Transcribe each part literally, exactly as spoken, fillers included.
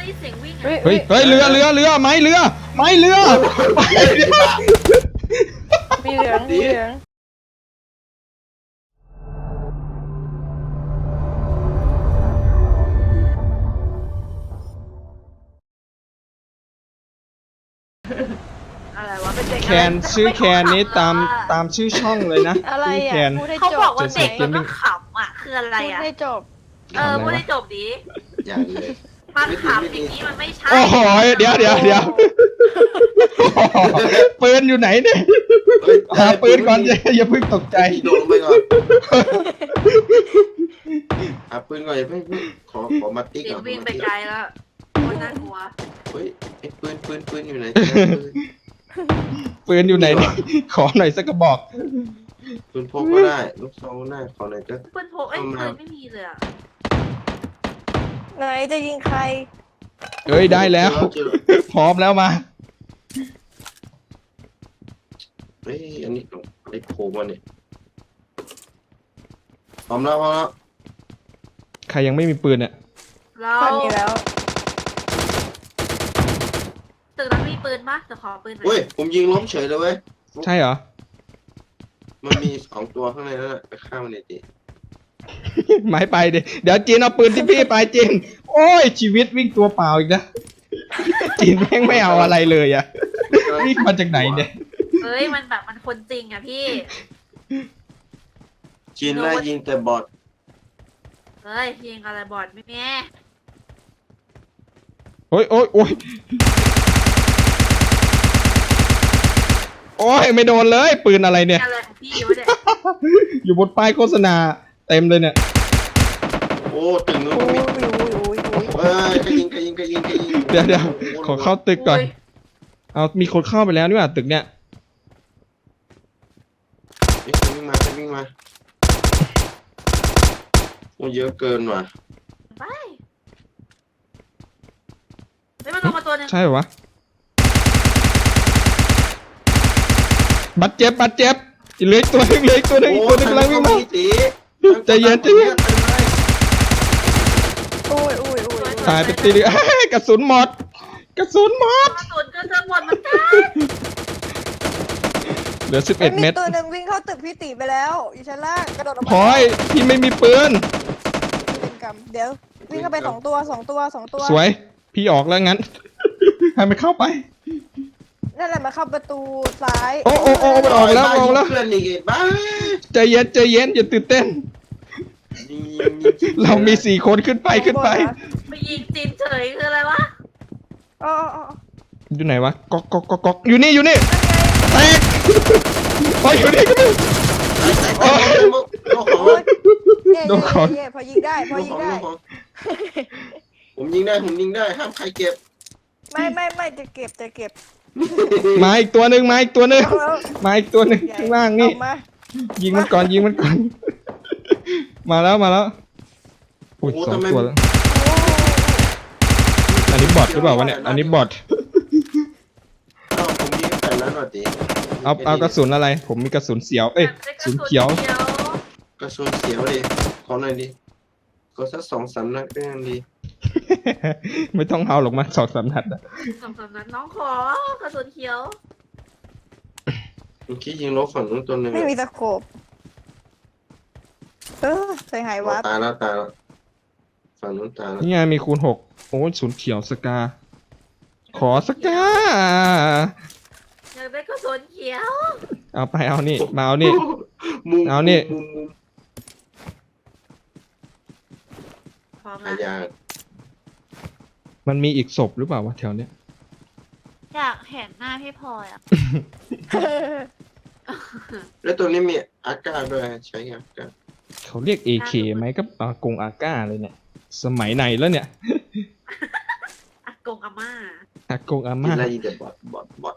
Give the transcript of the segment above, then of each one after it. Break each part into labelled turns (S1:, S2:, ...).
S1: ยินเสียงวิ่ง
S2: เฮ้ย
S1: อ่ะ
S2: เฮ้ยเฮ้ยเรือเรือเรือไม้เรือไม้เรือไม้เรือ
S3: มีเหลืองมีเหลือง
S1: อะไรวะเป็นเด็ก
S2: แคนชื่อแคนนี้ตามตามชื่อช่องเลยนะ
S3: อะไร
S2: ชื่อ
S3: อ่ะ
S2: แคน
S3: พูดให้
S1: เขา
S3: จ
S1: บอบ กว่าเด็ก
S2: เจ็
S1: แล้
S2: ด
S1: ว
S2: สิบ
S1: ก็ขำอ่ะคืออะไร
S3: พูด
S1: อ่ะ
S3: ให้จบ
S1: เออพูดให้จบดี
S4: อย่างเลย
S1: มันขำอย่างนี้มันไม่ใช่
S2: โอ้โหเดี๋ยวเดี๋ยวเดี๋ยวปืนอยู่ไหนเนี่ยหาปืนก่อนอย่าอย่าเพิ่งตกใจ
S4: โดนไปก่อนหาปืนก่อนอย่าเพิ่งขอขอมาติ๊ก
S1: เสีย
S4: ก่
S1: ง
S4: อน
S1: วิ่งไปไกลแล้วคนน่ากลัว
S4: เฮ้ยไอ้ปืนปืนปืนอยู่ไหน
S2: ปืนอยู่ไหนเนี่ยขอหน่อยสักกระบอก
S4: ปืนพกก็ได้ลูกซองก็ได้ขอหน่อยก็
S1: เพื่อนโพกเอ้ยปืนไม่มีเลยอ่ะ
S3: ไหนจะยิงใคร
S2: เอ้ยได้แล้ว พร้อมแล้วมา
S4: เฮ้ยอันนี้ไอ้โผล่มาเนี่ยพร้อมแล้วพร้อมแล้ว
S2: ใครยังไม่มีปืนเนี่ย
S1: เรา
S3: ตอนนี้แล้ว
S1: ตึกนั้นมีปืนปะจะขอปืนหน่อ
S4: เฮ้ย
S1: ย
S4: ผมยิงล้มเฉยเลยเว้ย
S2: ใช่เหรอ
S4: มันมีสองตัวข้างในนั่นแหละไปฆ่ามันเลยดิ
S2: หมายไปดิเดี๋ยวจีนเอาปืนที่พี่ไปจีนโอ้ยชีวิตวิ่งตัวเปล่าอีกนะจีนแม่งไม่เอาอะไรเลยอะวิ่งมาจากไหนเนี่ย
S1: เฮ้ยมันแบบมันคนจริงอ่ะพี่
S4: จีนไล่ยิงแต่บอท
S1: เฮ้ยยิงอะไรบอดไม่แม่
S2: โอ้ยโอ้ยโอ้ยโอ้ยไม่โดนเลยปืนอะไรเนี่ย
S1: อะไรของพี่วะเนี่ย
S2: อยู่บนป้ายโฆษณาเต็มเลยเนี่ย
S4: โอ้ตึงนู้น
S3: อุ้
S4: ก็
S3: ย
S4: มี
S3: อุ้ยอุ้ยอุ้ย
S4: เฮ้ยกระยิงกระยิงกระยิงกระยิง
S2: เดี๋ยวเดี๋ยวขอเข้าตึกก่อน
S1: โย
S2: เอามีคนเข้าไปแล้วนี่หว่าตึกเนี่ย
S4: เฮ้ยวิ่งมาวิ่งมาโอ้เยอะเกินว่ะ
S1: ไปเฮ้ยมันลงมาตัวหนึง
S2: ใช่เหรอวะบัดเจ็บบัดเจ็บเหลืออีกตัวหนึงเหลืออีกตัวหนึงอีกตัวหนึงกำลังวิ่งมา ใจเย็นใจเย็น
S3: อุ้ยอุ้ยอุ้ย
S2: ตายไปตีเดียวเอ้ยกระสุนหมด กระสุนหมด
S1: กระสุนก็จะหมดเหมือนกัน
S2: เหลือสิบเอ็ดเม็ด
S3: ตัวหนึ่งวิ่งเข้าตึกพี่ตีไปแล้วอยู่ชั้นล่างกระโดดออก
S2: พลอยพี่ไม่มีปืน
S3: เป็นกรรมเดี๋ยววิ่งเข้าไปสองตัวสองตัวสองตัว
S2: สวย พี่ออกแล้วงั้น ให้มันเข้าไป
S3: นั่นแหละมาเข้าประตูซ้าย
S2: โอ้โอ้โอ้มันออกแล้วออกแล้ว
S4: เพื่อนอีกบ้า
S2: ใจเย็นใจเย็นอย่าตื่นเต้น เรามีสี่คนขึ้นไปขึ้นไป
S1: ไปยิงจีนเฉยคืออะไรวะ
S3: อ๋ออ๋อ
S2: อยู่ไหนวะก๊อกก๊อกก๊อกก๊อกอยู่นี่อยู่นี่แตกโอ้ยอยู่นี่ก็มี
S4: โอ้ยโอ้
S3: โอ้ย
S4: ย
S3: เย่
S2: โดนของ
S3: เย่พอยิงได้พอยิงได้
S4: ผมยิงได้ผมยิงได้ห้ามใครเก็บ
S3: ไม่ไม่ไม่จะเก็บจะเก็บ
S2: มาอีกตัวหนึ่งมาอีกตัวหนึ่ง
S3: เอาแล้ว
S2: มาอีกตัวหนึ่งข้างล่างนี่
S3: เอามา
S2: ยิงมันก่อนยิงมันก่อน มาแล้วมาแล้วอุ้ยสองตัวแล้ว
S3: โอ้
S2: อันนี้บอทหรือเปล่าวะเนี่ยอันนี้บอท
S4: อ้าวผมยิงแต่นั้นหน่อยดิ
S2: เอาเอากระสุนอะไร ผมมีกระสุนเสียวเอ้ยกระสุนเขียว
S4: กระสุนเสียวดิขอหน่อยดิก็สักสองสามนัดก็ยังดี
S2: ไม่ต้องเอาหรอกมาสองสามนัดอะ
S1: สองสามนัดน้องขอกระสุนเขียว
S4: เมื่อกี้ยิงลบฝั่งนู้นตัวหนึ่ง
S3: ไม่มีตะโขบเออใส่หายวับ
S4: ตายแล้วตายแล้วฝั่งนู้นตายแล้ว
S2: นี่ไงมีคูณหกโอ้ยศูนย์เขียวสกา ขอสกา
S1: อยากได้กระสุนเขียว
S2: เอาไปเอานี่มาเอานี่
S4: มุม
S2: เอานี่
S4: มุมมุม
S1: พร้อม
S4: อา
S1: นะ
S4: ยา
S2: มันมีอีกศพหรือเปล่าวะแถวเนี้ย
S1: อยากเห็นหน้าพี่พลอยอ่ะ
S4: แล้วตัวนี้มีอากาศด้วยใช้อากาศ
S2: เขาเรียก เอ เค ไหมก็อากงอาก้าเลยเนี่ย สมัยไหนแล้วเนี่ย
S1: อากงอาม่า
S2: อากงอา
S4: กิน
S2: ม่า
S4: อะไรอีกแต่บอทบอทบอท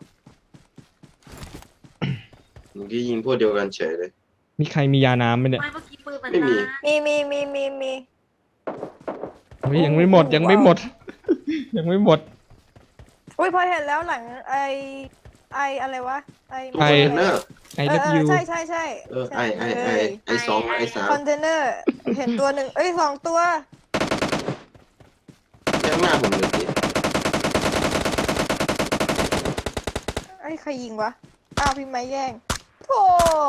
S4: เมื่อกี้ยิงพวกเดียวกันเฉยเลย
S2: มีใครมียาน้ำไหมเนี่ย
S1: ไม่เมื่อกี้ปืนมัน
S4: ไม่มี
S1: นะ
S3: มีมีมีมีมี
S2: เฮ้ยยังไม่หมดยังไม่หมด ยังไม่หมด
S3: อุ้ยพอเห็นแล้วหลังไอไออะไรวะไอ
S4: ตู้คอนเทนเนอร์
S2: ไอ
S3: เอ
S2: เลิ
S3: อ
S2: ฟ
S3: เอ
S2: ยู
S3: อใช่ใช่ใช่
S4: เออไอไอไอไอสองไอสาม
S3: คอนเทนเนอร์เห็นตัวหนึ่งเอ้ยสองตัว
S4: ยังหน้าผมเลยสิ
S3: ใครยิงวะอ้าวพี่ไม้แย่งโธ่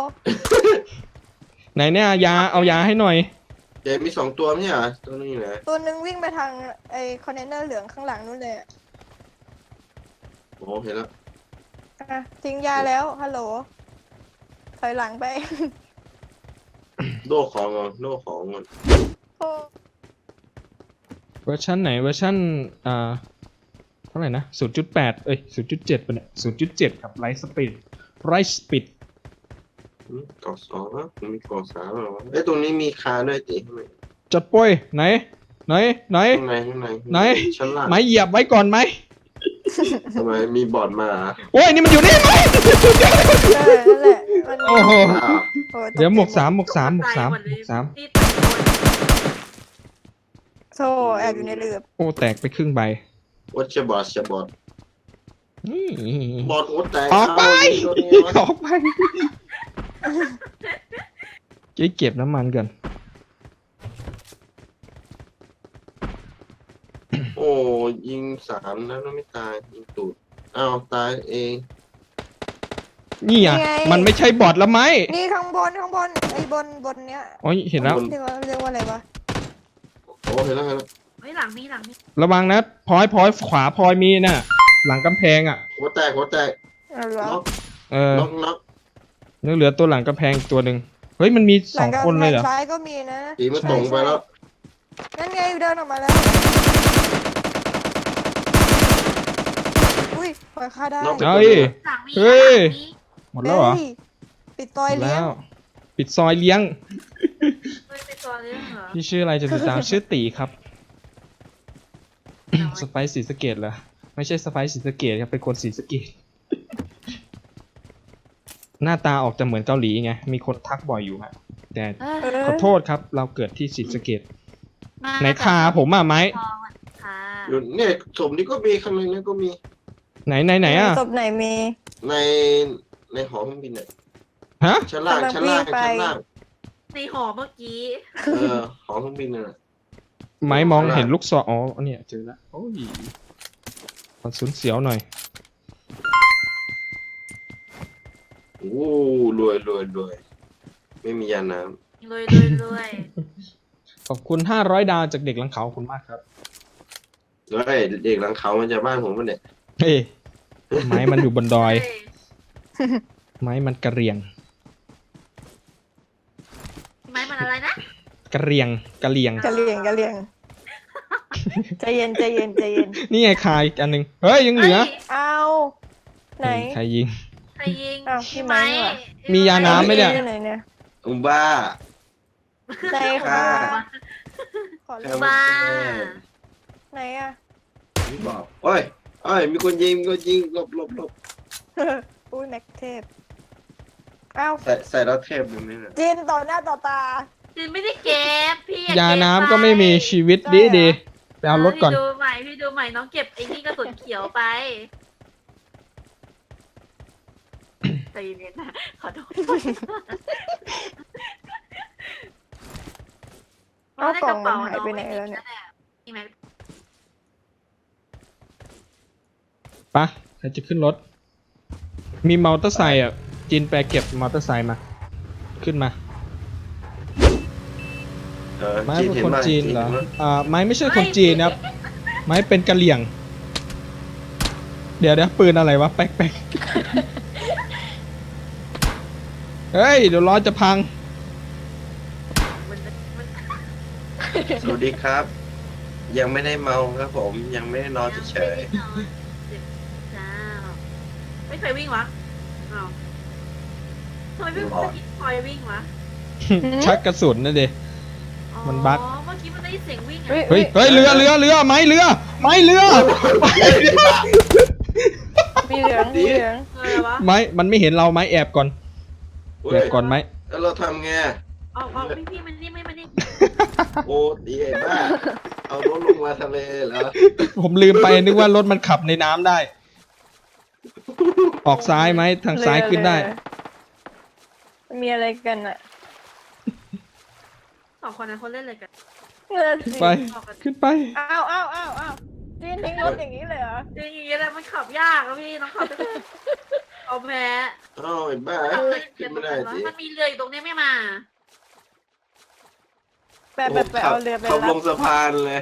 S2: ไหนเนี่ยยาเอายาให้หน่อย
S4: เดี๋ยวมีสองตัวไม่ใช่เหรอตัวนึงอยู่ไหน
S3: ตัวหนึงวิ่งไปทางไอ้คอนเทนเนอร์เหลืองข้างหลังนู่นเลยอะ
S4: โอ้เห็นแล้ว
S3: อ่ะทิ้งยาแล้วฮัลโหลถอยหลังไป
S4: โดของก่อนโดของก่อน
S3: โอ้
S2: เวอร์ชันไหนเวอร์ชันอ่าเท่าไหร่นะศูนย์จุดแปดเอ้ยศูนย์จุดเจ็ดปะเนี่ยศูนย์จุดเจ็ดครับไลท์สปีดไรสปีด
S4: อืมกอสองนะมีกอสามเหรอวะเอ้ยตรงนี้มีคาด้วยติข้างใน
S2: จัดป่วยไหนไหนไหน
S4: ข้างในข้างใน
S2: ไหน
S4: ชั้นล่าง
S2: ไม้เหยียบไว้ก่อนไหม
S4: ทำไมมีบอร์ดมาเหรอ
S2: โอ้ยนี่มันอยู่นี่ไหม
S3: เออนั่นแหละมัน
S2: โอ้โห
S4: อ้าว
S3: โอ้ต
S2: เดี๋ยวหมวก
S3: ใจ
S2: สามหมวกสามหมวกสาม
S1: ตย
S2: หมวกสาม
S1: ที่ตะโกน
S3: โซ่แอบอยู่ในเรือ
S2: โอ้แตกไปครึ่งใบ
S4: วัชบอร์ดจะบอร์ด
S2: นี่
S4: บอร์ดหัวแตก
S2: ออกไป
S4: เอาตัวนี้วะ
S2: ออกไปเจ๊เก็บน้ำมันก่อน
S4: โอ้ยิงสามแล้วไม่ตายยิงตูดอ้าวตายเอง
S2: นี่อ่ะมันไม่ใช่บอทแล้วไหม
S3: นี่ข้างบนข้างบนไอ้บนบนเนี้ย
S2: อ๋อเห็นแล้ว
S3: เรียกว่าเรียกว่าอะไรวะ
S4: โอ้เห็นแล้วเห็นแล้ว
S1: เฮ้ยหลังนี่หลังนี่
S2: ระวังนะพลอยพลอยขวาพลอยมีน่ะ หลังกำแพงอ่ะ
S4: หัวแตกหัวแตก
S3: เอาเหรอ
S4: น็อก
S2: เออ
S4: น็อกน็อก
S2: นึกเหลือตัวหลังกำแพงอีกตัวหนึ่งเฮ้ยมันมีสองคนเลยเหรอ
S3: ซ้ายก็มีนะ
S4: ตีมาตรงไปแล้ว
S3: นั่นไงเดินออกมาแล้วอุ้ยปล่อยค่าได้
S4: น็อกไป
S2: เฮ้
S4: ตัวย นึง
S1: หลังนี่
S2: เฮ้ย
S1: หลังนี่
S2: หมดแล้วเหรอ
S3: ฮ้ยปิดตอย
S2: หมด
S3: เลี้ย
S2: แล้
S3: ง
S2: ว ปิดซอยเลี้ยง
S1: เฮ้ยไปตัวเรื่องเหรอ
S2: พี่ชื่ออะไรจะติดตาม ชื่อตีครับ สไปซ์ศรีสะเกดเหรอไม่ใช่สไปซ์ศรีสะเกดครับเป็นคนศรีสะเกดหน้าตาออกจะเหมือนเกาหลีไงมีคนทักบ่อยอยู่ฮะแต่
S1: เอ
S3: เอ
S1: อ
S3: อ
S2: ขอโทษครับ เราเกิดที่ศรีสะเกด
S1: มา
S2: ไหนคาผมอ่ะไหม
S1: ทองอะค่ะ
S4: อยู่เนี่ยสมนี้ก็มีข้างในนั้นก็มี
S2: ไหนไหนไหนอ่ะ
S3: ศพไหนมี
S4: ในในหอเครื่องบินเนี่ย
S2: ฮะ
S4: ชั้นล่าง
S3: กำลัง
S4: ชั้นล่าง
S3: วิ่งไป
S4: ชั้นล่าง
S1: ในหอเมื่อกี้
S4: เออหอเครื่องบินน่ะ
S2: ไม้มองเห็นลูกศรอ๋อเนี่ยเจอแล้วโอ้ยขอสูญเสียวหน่อย
S4: โอ้รวยรวยรวยไม่มียาน้
S1: รวยรวยรวย
S2: ขอบคุณห้าร้อยดาวจากเด็กหลังเขาขอบคุณมากครับ
S4: ำแล้วไอ้เด็กหลังเขามันจะบ้านผมมันเนี่ย
S2: เฮ้ยไม้มันอยู่บนดอย
S1: เฮ้ย
S2: ไม้มันกระเรียง
S1: ไม้มันอะไรนะ
S2: กระเรียงกระเรียง
S3: กะเหลี่ยงกะเหลี่ยงใจเย็นใจเย็นใจเย็น
S2: นี่ไงคายอีกอันหนึ่งเฮ้ยยังเหลือ
S1: ฮ้ย
S3: เอาไหน
S2: ใครยิง
S1: ใครยิง
S3: อ้าวพี่ไม้เหรอ
S2: มียาน้ำไหมเนี่ย
S3: ไหนเนี่ย
S4: อุบ้า
S3: ไหน
S4: ค่ะ
S3: คะขอ
S4: แค่
S3: เล่น
S4: มัน
S1: บ้า
S3: ไหนอะ
S4: ไม่บอกโอ้ยโอ้ยมีคนยิงมีคนยิงหลบหลบหลบ
S3: อุ้ยแม็กเทพอ้าว
S4: ใส่ใส่แล้วเทพดูไหมเนี่ย
S3: จีนต่อหน้าต่อตา
S1: จินไม่ได้เก็บพี่
S2: ยาน้ำก็ไม่มีชีวิตดีดีไปเอารถก่อน
S1: พี่ดูใหม่พี่ดูใหม่น้องเก็บไอ้นี่กระสุนเขียวไปใจเย็นนะขอโทษ
S3: เอากล่องมันหายไปไหนแล้วเนี่ย
S1: นี่ไหม
S2: ปะใครจะขึ้นรถ มีมอเตอร์ไซค์อ่ะจินไปเก็บมอเตอร์ไซค์มา ขึ้นมา
S4: เออ
S2: ไม้
S4: จีน
S2: เป็น
S4: เห็น
S2: คน
S4: ไหม
S2: จีนเหรอ
S4: ห็ไหม
S2: อ่าไม้ไม่ใช่คนจีนนะครับ ไม้เป็นกะเหรี่ยง เดี๋ยวเดี๋ยวปืนอะไรวะ แป๊กแป๊กเฮ้ย เดี๋ยวล้อจะพัง
S1: มันมัน
S4: สวัสดีครับ ยังไม่ได้เมาครับผมยังไม่ได้นอนเฉย
S1: จ้าไม่เคยวิ่งวะอ้าวทำไมพี่ไม่คอยวิ่งวะ
S2: ชักกระสุนนะเด
S1: อ๋อ
S2: มันบั๊ก
S1: เมื่อกี้มันได้ยินเสียงวิ่งอะ
S3: เฮ้ย
S2: เฮ้ย เฮ้ย เรือเรือเรือไม้เรือ ไม้เรือ
S3: มีเหลืองมีเหลือง
S1: เออวะ
S2: ไม้ มันไม่เห็นเราไม้แอบก่อน
S4: ๆเว้
S2: แอย บก่อนไหม
S4: แล้วเราทำไง
S1: ออกออกพี่พี่มันนี่ไม่มันนี่
S4: โอ้ดีไอ้บ้าเอารถลงมาทะเลเหรอ
S2: ผมลืมไปนึกว่ารถมันขับในน้ำได้ ออกซ้ายไหมทางซ้ายขึ้นได้
S3: เรือมีอะไรกันอะ
S1: สองคนนั้นเขาเล่นอะไรกัน
S3: เรือสิ
S2: ไป ขึ้นไป
S3: อ้าวอ้าวอ้าวอ้าวจีนทิ้งรถอย่างนี้เลยเหรอ
S1: จริงอย่างนี้แหละมันขับยากอะพี่น้องขับไปเอาแพ้
S4: อ้าวไอ้บ้า
S1: ขับเลย
S4: ขึ้
S1: เดี๋
S4: น
S1: ยวต
S4: ไม่
S1: รง
S4: ได้
S1: นั้นวะ
S4: สิ
S1: มันมีเรืออยู่ตรงนี้ไม่มา
S3: ไปไปไปเอาเรือไป
S4: ขับล
S3: รับ
S4: งสะพานเลย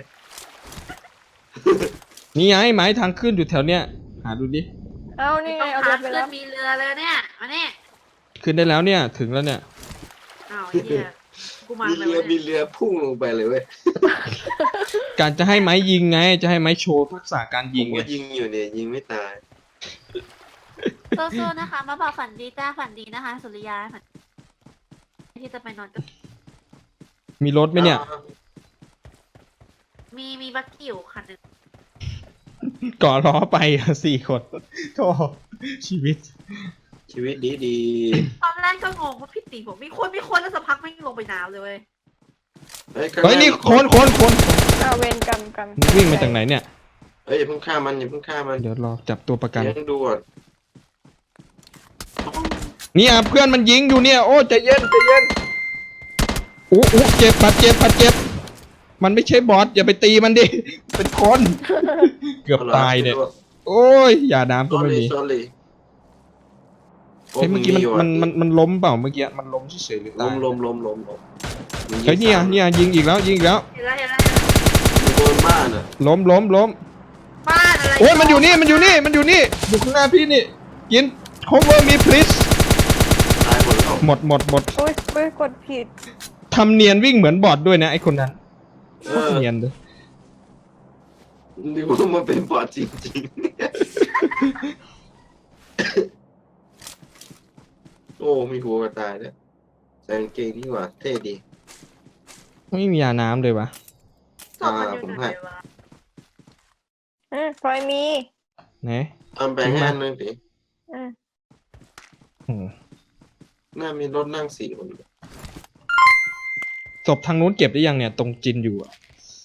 S2: นี่ไงไม้ทางขึ้นอยู่แถวเนี้ยหาดูดิ
S3: เอานี่ไง
S1: ต้อง
S3: เอาเรื
S1: พา
S3: อไป
S1: ขึ้น
S3: รับ
S1: มีเรือเลยเนี่ยมาเนี่ย
S2: ขึ้นได้แล้วเนี่ยถึงแล้วเนี่ย
S1: อ้าวไอ้เหี้ยกูมา
S4: มี
S1: เล
S4: เรื
S1: ย
S4: อมีเรือพุ่งลงไปเลยเว้ย
S2: การจะให้ไม้ยิงไง จะให้ไม้โชว์ทักษะการ
S4: ผ
S2: ยิ
S4: ม
S2: งไง
S4: ก็ยิงอยู่เนี่ยยิงไม่ตาย
S1: สู้ๆนะคะ มาบอกฝันดีจ้าฝันดีนะคะ สุริยาฝันที่จะไปนอนกับ
S2: มีรถไหมเนี่ย
S1: มีมีบักกี้อยู่คันหนึง
S2: ก่อล้อไปอ่ะสี่คนโธ่ชีวิต
S4: ชีวิตดีดี
S1: ตอนแรกก็งงว่าพี่ตีผมมีคนมีคนแล้วสักพักไม่งลงไปน้ำเลยเว้ย
S4: เฮ้ย
S2: เฮ้ยนี่คนคนคน
S3: เอาเวรกรรมกัน
S2: มึงวิ่งมาจากไหนเนี่ย
S4: เฮ้ยอย่าเพิ่งฆ่ามันอย่าเพิ่งฆ่ามัน
S2: เดี๋ยวรอจับตัวประกัน
S4: เลี้ยงดูก่อน
S2: นี่อ่ะเพื่อนมันยิงอยู่เนี่ย โอ้ใจเย็นใจเย็นอู้อู้เจ็บบาดเจ็บบาดเจ็บ มันไม่ใช่บอสอย่าไปตีมันดิ เป็นคน เกือบตายเนี่ย โอ้ยอย่าน้ำก็ไม่มี
S4: สอรี่
S2: เฮ้ยเมื่อกี้มันมันมันมันล้มเปล่าเมื่อกี้มันล้มเฉยๆหรือ
S4: ล
S2: ตาย
S4: มลมลมลมลม
S2: เฮ้ยเนี่ยเนี่ยยิงอีกแล้วยิงอีกแล้ว
S1: เห็นแล้วเห็นแล้วเห็นแล้ว
S4: อยู่บนบ้านอ่ะ
S2: ล้มล้มล้ม
S1: บ้านอะไร
S2: โอ้ยมันอยู่นี่มันอยู่นี่มันอยู่นี่อยู่ข้างหน้าพี่นี่ยิน cover me please
S4: ตายหมดแล้ว
S2: หมดหมดหมด
S3: อุ้ยอุ้ยกดผิด
S2: ทำเนียนวิ่งเหมือนบอดด้วยนะไอคนนั้น
S4: เออ
S2: เนียนเลย
S4: ดูว่ามันเป็นบอดจริงๆ โอ้มีหัวกระต่ายด้วยใส่กางเกงดีกว่าเท่ดี
S2: ไม่มียาน้ำเลยวะ
S1: ศพมันอยู่ไหนวะ
S3: อืมพลอยมี
S2: ไหน
S4: เอาแบ่งให้อันหนึงดิ
S3: อืม
S2: อืม
S4: น่ามีรถนั่งสี่คน
S2: ศพทางนู้นเก็บได้ยังเนี่ยตรงจินอยู่อะ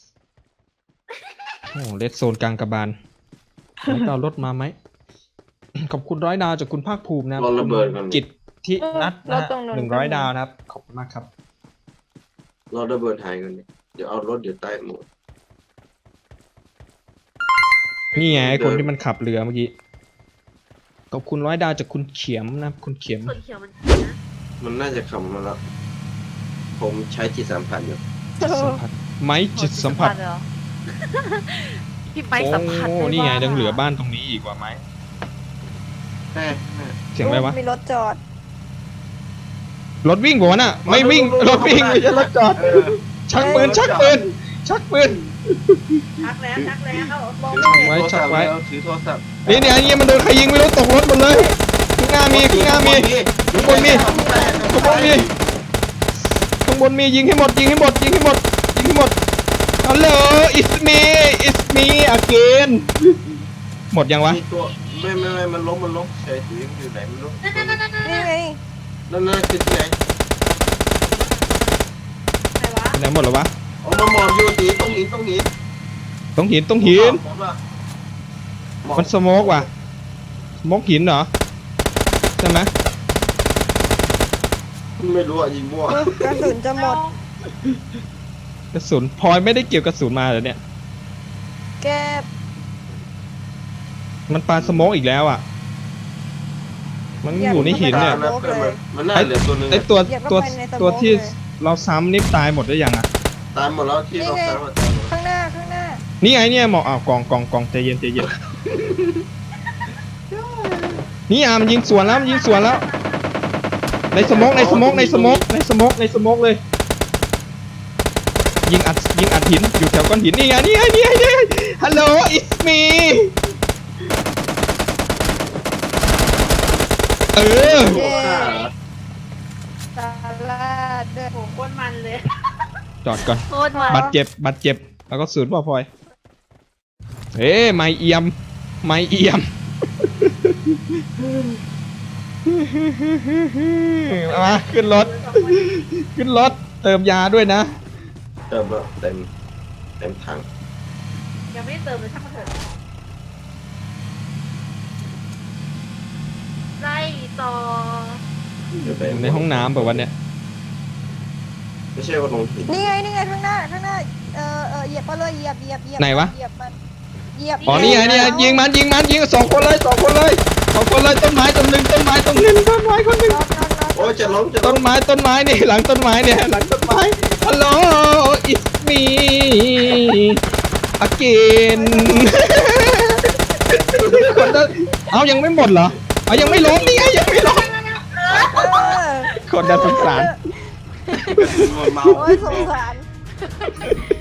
S2: โอ้เลดโซนกลางกระบาลแล้วก็เอารถมาไหม ขอบคุณร้อยดาวจากคุณภาคภูมินะ
S4: รอระเบิดก่อน
S2: กิจที่นัดนะ
S3: เรา
S2: ฮะ
S3: ตรงนั้น
S2: หนึ่งร้อยดาวนะครับ ขอบคุณมากครับ
S4: รอระเบิดหายก่อนดิเดี๋ยวเอารถเดี๋ยวตายหมด
S2: นี่ไงไอ้คน
S4: เดิน
S2: ที่มันขับเรือเมื่อกี้ ขอบคุณร้อยดาวจากคุณเขียมนะคุณเขียม
S1: ส่วนเขียวมันนะ
S4: มันน่าจะขับมาแล้ว ผมใช้จิตสัมผัสอยู่
S2: จิตสัมผัสไม้จิตสัมผัส
S1: เหรอพี่ไปสัมผัส
S2: โอ้
S1: ด้
S2: นี่ไง
S1: ว่า
S2: ยังเหลือบ้านตรงนี้อีกว่าไหม
S4: แม่แม่
S2: เสียงอะไรวะ
S3: มีรถจอด
S2: รถวิ่งบอกว่าน่ะ ไม่วิ่ง รถวิ่งไม่ใช่รถจอด
S4: เออ
S2: ชักปืน ชักปืน ชักปืน
S1: ชักแล้วชักแล้ว
S3: มอง
S4: ถื
S3: ไม่
S4: อ
S3: เห็น
S4: โทรศัพท์
S2: ไว้
S4: แล้วถือโทรศัพท์
S2: นี่เนี่ยอันนี้มันโดนใครยิงไม่รู้ตกรถหมดเลยข้างหน้ามีข้างหน้ามี ข้างบนมี ข้างบนมีข้างบนมียิงให้หมดยิงให้หมดยิงให้หมดยิงให้หมดฮัลโหล it's me it's me again หมดยังวะ
S4: มีตัวไม่ไม่ไม่มันล้มมันล้มเฉยถืออยู่ไหนไม่รู้
S1: นั่นนั่นนั่นนั่น
S3: นี่ไง
S4: นั่นนั่นคือที่ไหน
S1: ไหนวะ
S2: ไปไหนหมดแล้ววะ
S4: เอามาหมอบอยู่ตีต้องหินต้องหิน
S2: ต้องหินต้องหิน
S4: หมอบว่ะหมอบ
S2: มันสโมกว่ะสโมกหินเหรอใช่ไหม
S4: ไม่รู้อ่ะยิงมั่ว
S3: อุ๊ยกระสุนจะหมด
S2: กระสุนพลอยไม่ได้เกี่ยวกระสุนมาเหรอเนี่ย
S3: แก
S2: มันปาสโมกอีกแล้วอ่ะ มันอยู่ในหินเนี่ย
S4: นะเพื่อนมันมันน่าเหลือตัวหนึง
S2: ไอ
S4: อะ
S2: ตัว
S3: เหยียบเข้า
S2: ตัว
S3: ไปในสโมก
S2: ตัวที่
S3: เลย
S2: เราซ้ำนี่ตายหมดได้ยังอ่ะ
S4: ตามหมดแล้วที่เราตามหมดตามหมด
S3: ข้างหน้าข้างหน้า
S2: นี่ไงเนี่ยหมอกอ้าวกองกองกองใจเย็นใจเย็น นี่อ่ะมันยิงสวนแล้วมันยิงสวนแล้ว ในสโมกในสโมกในสโมกในสโมกในสโมกเลย ยิงอัดยิงอัดหินอยู่แถวก้อนหินนี่ไงนี่ไงนี่ไงนี่ไงฮัลโหล it's me เออ
S4: โอ้ฆ่าเหรอ
S3: ตาลาดด้วย
S1: โหโคตรมันเลย
S2: จอดก่อน
S1: โคตรมัน
S2: บาดเจ็บบาดเจ็บแล้วก็ศูนย์พ่อพลอยเอ้ไม่เอี่ยมไม่เอี่ยม มาขึ้นรถ ขึ้นรถเติมยาด้วยนะ
S4: เติมแล้วเต็มเต็มถัง
S1: ยังไม่ได้เติมเลยช่างมันเถอะไล่ต่อ
S4: เดี๋ยวไป
S2: ในห้องน้ำแบบวันเนี้ย
S4: ไม่ใช่ว่าลงหิน
S3: นี่ไงนี่ไงข้างหน้าข้างหน้าเออเออเหยียบไปเลยเหยียบเหยียบเหยียบ
S2: ไหนวะ
S3: เหยียบมันเหยียบ
S2: อ๋อนี่ไงนี่ไงยิงมันยิงมันยิงสองคนเลยสองคนเลยสองคนเลยต้นไม้ต้นหนึ่งต้นไม้ต้นหนึ่งต้นไม้คนหนึ่ง
S3: น็อกน็อกน็อก
S4: โอ้ยจะล้มจะล้
S2: ต้
S4: ม
S2: นไม้ต้นไม้นี่หลังต้นไม้เนี่ยหลังต้นไม้ฮัลโหล it's me again คนนั้นเอายังไม่หมดเหรอเอายังไม่ล้มนี่ไงยังไม่ล้ม
S3: เออ
S2: คนน่าสงสาร
S4: เมา
S3: โอ้ยสงสาร